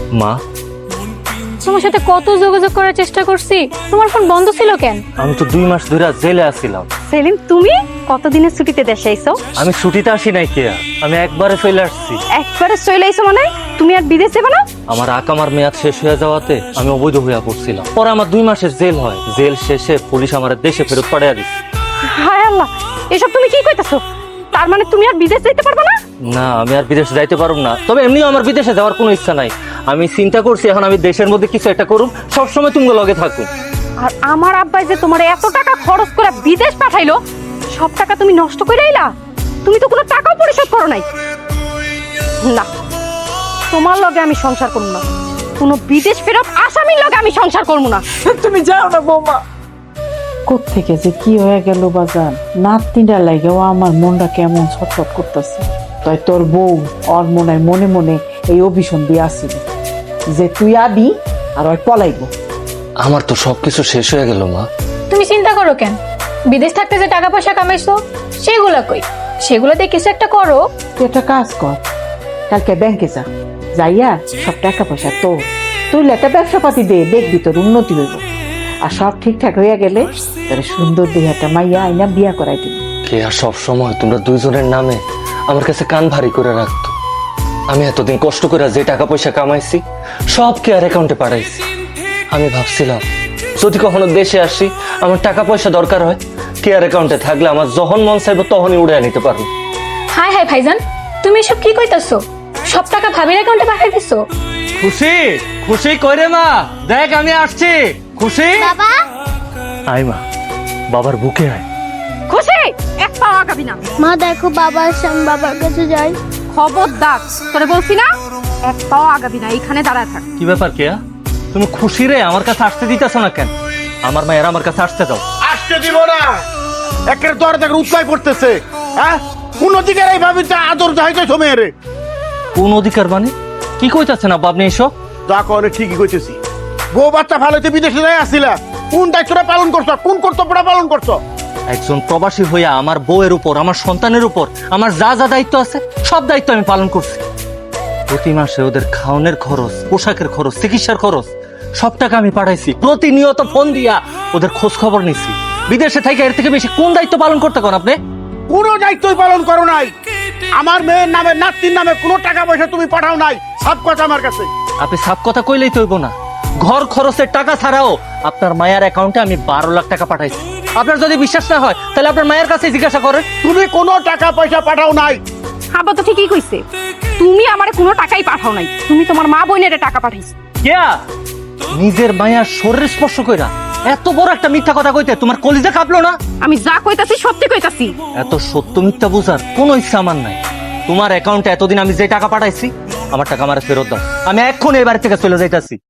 মা, তোমার সাথে কত যোগাযোগ করার চেষ্টা করছি, তোমার ফোন বন্ধ ছিল কেন? আমি তো 2 মাস ধরে জেলে আছিলাম। সেলিম, তুমি কতদিনের ছুটিতে দেশে আইছো? আমি ছুটিতে আসি নাই কেয়া, আমি একবারে চলে আসছি। একবারে চলে আইছো মানে? তুমি আর বিদেশ যাবে না? আমার আকামার মেয়াদ শেষ হয়ে যাওয়াতে আমি অবৈধ হইয়া পড়ছিলাম। পরে আমার 2 মাসের জেল হয়। জেল শেষে পুলিশ আমার দেশে ফেরত পাঠিয়ে দিচ্ছে। হায় আল্লাহ, এসব তুমি কি কইতাছো? তার মানে তুমি আর বিদেশ যেতে পারবে না? না, আমি আর বিদেশে যাইতে পারব না। তবে এমনিও আমার বিদেশে যাওয়ার কোনো ইচ্ছা নাই। আমি চিন্তা করছি এখন আমি দেশের মধ্যে কিছু একটা করুম, সবসময় তুমি লগে থাকুন। আর আমার আব্বাই যে তোমার এত টাকা খরচ করে বিদেশ পাঠাইলো, সব টাকা তুমি নষ্ট করে আইলা? তুমি তো কোনো টাকাও পরিশোধ করো নাই। না, তোমার লগে আমি সংসার করব না। কোনো বিদেশ ফেরত আসামির লগে আমি সংসার করব না। তুমি যাও না বৌমা। কোত্থেকে যে কি হয়ে গেল বাজার, নাতনিটা লাগেও আমার মনটা কেমন ছটফট করতেছে। তাই তোর বউ ওর মনে মনে এই অভিশন দিয়ে আসছিল যে তুই আবি আর ওই পলাইব। আমার তো সবকিছু শেষ হয়ে গেল মা। তুমি চিন্তা করো কেন? বিদেশ থাকতে যে টাকা পয়সা কামাইছো সেগুলো কই? সেগুলোতে কিছু একটা করো। তুই একটা কাজ কর, কালকে ব্যাংকে যা, যাইয়া সব টাকা পয়সা তুই একটা ব্যবসা পাতি দে, দেখবি তোর উন্নতি হইব। আর সব ঠিকঠাক হইয়া গেলে তোর সুন্দর দিয়ে একটা মাইয়া আইনা বিয়া করাই দিবি। কেয়া সব সময় তোমরা দুইজনের নামে আমার কাছে কান ভারী করে রাখতো। আমি এতদিন কষ্ট করে যে টাকা পয়সা কামাইছি সব কেয়ার অ্যাকাউন্টে পাঠাইছি। আমি ভাবছিলাম যদি কখনো দেশে আসি, আমার টাকা পয়সা দরকার হয়, কেয়ার অ্যাকাউন্টে থাকলে আমার যখন মন চাইবো তখনই উড়ে নিতে পারবো। হাই হাই ভাইজান, তুমি এসব কি কইতাছো? সব টাকা ভাবির অ্যাকাউন্টে পাঠিয়ে দিছো? খুশি খুশি কইরে মা, দেখ আমি আসছি। খুশি বাবা, আয় মা, বাবার বুকে আয়। খুশি এক পাও আগাবি না। মা দেখো বাবা আসছে, আমি বাবার কাছে যাই। খবরদার, তোরে বলছি না এক পাও আগাবি না, এইখানে দাঁড়ায় থাক। কি ব্যাপার কেয়া, তুমি খুশি রে আমার কাছে আসতে দিতেছো না কেন? আমার মায়ের আমার কাছে আসতে দাও। আসতে দিব না। একের দর দেখ উৎপাই পড়তেছে। হ্যাঁ, কোন দিকের এই ভাবি আদর চাইতেছো মেয়েরে? কোন অধিকার মানে কি কইতাছেন আব্বা আপনি এসব? যা করে ঠিকই কইতেছি। বউ বাচ্চা ভালোতে বিদেশে যাই আসিলা, কোন দায়িত্বটা পালন করছো, কোন কর্তব্যটা পালন করছো? একজন প্রবাসী হইয়া আমার বউয়ের উপর, আমার সন্তানের উপর আমার যা যা দায়িত্ব আছে সব দায়িত্ব আমি পালন করছি। প্রতি মাসে ওদের খাওয়ানোর খরচ, পোশাকের খরচ, চিকিৎসার খরচ সব টাকা আমি পাঠাইছি। প্রতিনিয়ত ফোন দিয়া ওদের খোঁজ খবর নিছি। বিদেশে থেকে এর থেকে বেশি কোন দায়িত্ব পালন করতে কোন আপনি? কোনো দায়িত্বই পালন করো নাই। আমার মেয়ের নামে, নাতির নামে কোনো টাকা পয়সা তুমি পাঠাও নাই। সব কথা আমার কাছে। আপনি সাফ কথা কইলেই তো হইব না। ঘর খরচের টাকা ছাড়াও আপনার মায়ের অ্যাকাউন্টে আমি 12 লাখ টাকা পাঠাইছি। আপনার যদি বিশ্বাস না হয় তাহলে আপনার মায়ের কাছে জিজ্ঞাসা করেন। তুমি কোনো টাকা পয়সা পাঠাও নাই। আব্বা তো ঠিকই কইছে, তুমি আমারে কোনো টাকাই পাঠাও নাই। তুমি তোমার মা বোনের টাকা পাঠাইছো। কেয়া, নিজের মায়ের শরীর স্পর্শ কইরা এত বড় একটা মিথ্যা কথা কইতে তোমার কলিজা কাঁপলো না? আমি যা কইতাছি সত্যি কইতাছি। এত সত্য মিথ্যা বুঝার কোনো ইচ্ছা আমার নাই। তোমার অ্যাকাউন্টে এতদিন আমি যে টাকা পাঠাইছি আমার টাকা আমার ফেরত দাও। আমি এক্ষুনি এই বাড়ি থেকে চলে যাইতাছি।